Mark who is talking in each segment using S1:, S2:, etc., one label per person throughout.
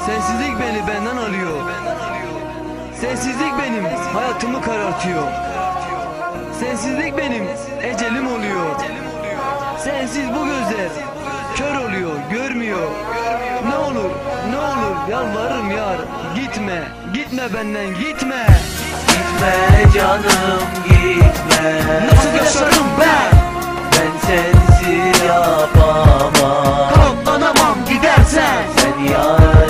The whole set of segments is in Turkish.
S1: Sensizlik beni benden alıyor. Sensizlik benim hayatımı karartıyor. Sensizlik benim ecelim oluyor. Sensiz bu gözler kör oluyor, görmüyor. Ne olur, ne olur yalvarırım yar, gitme, gitme benden, gitme.
S2: Gitme canım gitme.
S1: Nasıl yaşarım ben?
S2: Ben sensiz yapamam.
S1: Katlanamam gidersen.
S2: Sen yar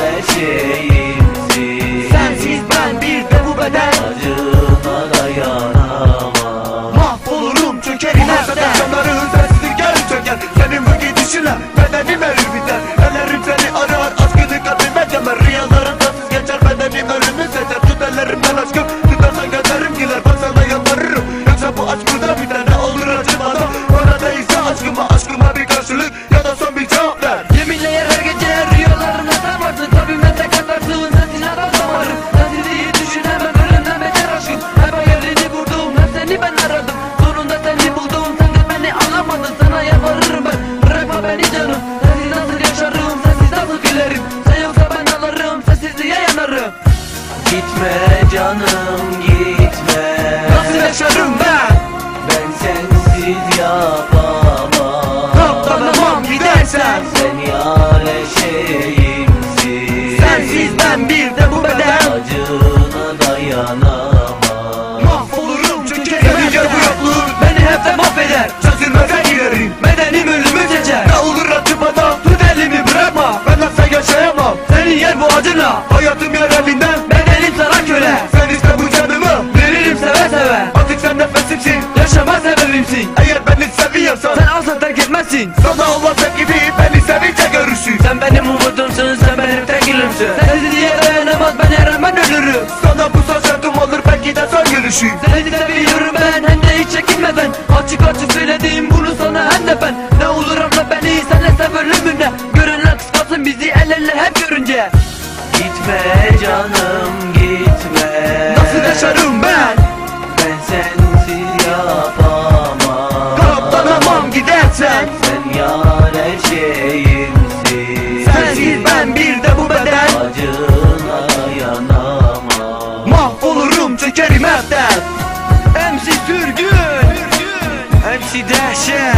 S2: eşeğimsin.
S1: Sensiz ben bir de bu beden.
S2: Acına dayanamam.
S1: Mahvolurum çökerim her beden.
S3: Canları sensizlik gel çöker. Senin bu gidişinle bedenim erir biter. Ellerim seni arar, aşkını kalbime gömer. Rüyalarım tatsız geçer, bedenim ölümü seçer. Tut ellerimden aşkım, tutarsan gözlerim güler. Bak sana yalvarırım, yoksa bu aşk burada biter. Ne olur acımadan, bana değilse aşkıma bir karşılık ya da son bir cevap ver.
S1: Yeminle yer her gece rüyalarına sarmarsın. Kalbime tek atarsın, sensin adam damarım. Sensizliği düşünemem, ölümden beter aşkım. Hep hayalini vurdum, hep seni ben aradım. Sonunda seni buldum, sen de beni anlamadın. Sana yalvarırım ben, bırakma beni canım. Sensiz nasıl yaşarım, sensiz nasıl gülerim. Sen yoksa ben ağlarım, sensizliğe yanarım.
S2: Gitme canım gitme.
S1: Nasıl yaşarım ben?
S2: Ben sensiz yapamam.
S1: Katlanamam gidersen.
S2: Sen yar eşeğimsin.
S1: Sensiz ben bir de bu beden.
S2: Acına dayanamam.
S1: Mahvolurum çökerim
S3: Senin
S1: hep
S3: gel bu
S1: de.
S3: yokluğun
S1: Beni hep de mahveder.
S3: çözülmeze girerim.
S1: Bedenim ölümü seçer.
S3: Ne olur acımadan,
S1: Tut elimi bırakma.
S3: ben nasıl yaşayamam.
S1: Senin yer bu acınla.
S3: Hayatım yer elinden,
S1: Bedenim sana köle.
S3: sen iste bu canımı.
S1: Veririm seve seve.
S3: Artık sen nefesimsin.
S1: Yaşama sebebimsin.
S3: Eğer beni seviyorsan,
S1: Sen asla terk etmezsin.
S3: sana Allah sen gibi beni sevince görürsün.
S1: Sen benim umudumsun, sen benim tek gülümsün. Sensizliğe dayanamaz, ben her an ben ölürüm.
S3: Sana bu söz yardım olur, belki de son gülüşüm.
S1: Seni seviyorum ben, hem de hiç çekinmeden. Açık açık söyledim bunu sana hem de ben. Ne olur anla beni, senle sev ölümüne. Görünler kıskansın bizi el ele hep görünce.
S2: Gitme canım gitme.
S1: Nasıl yaşarım ben?
S2: Ben sensiz yapamam.
S1: Katlanamam gidersen.
S2: Sen yar eşeğimsin.
S1: Sensiz ben bir de bu beden.
S2: Acına dayanamam.
S1: Mahvolurum çökerim hepten. MC Sürgün, MC Dehşet.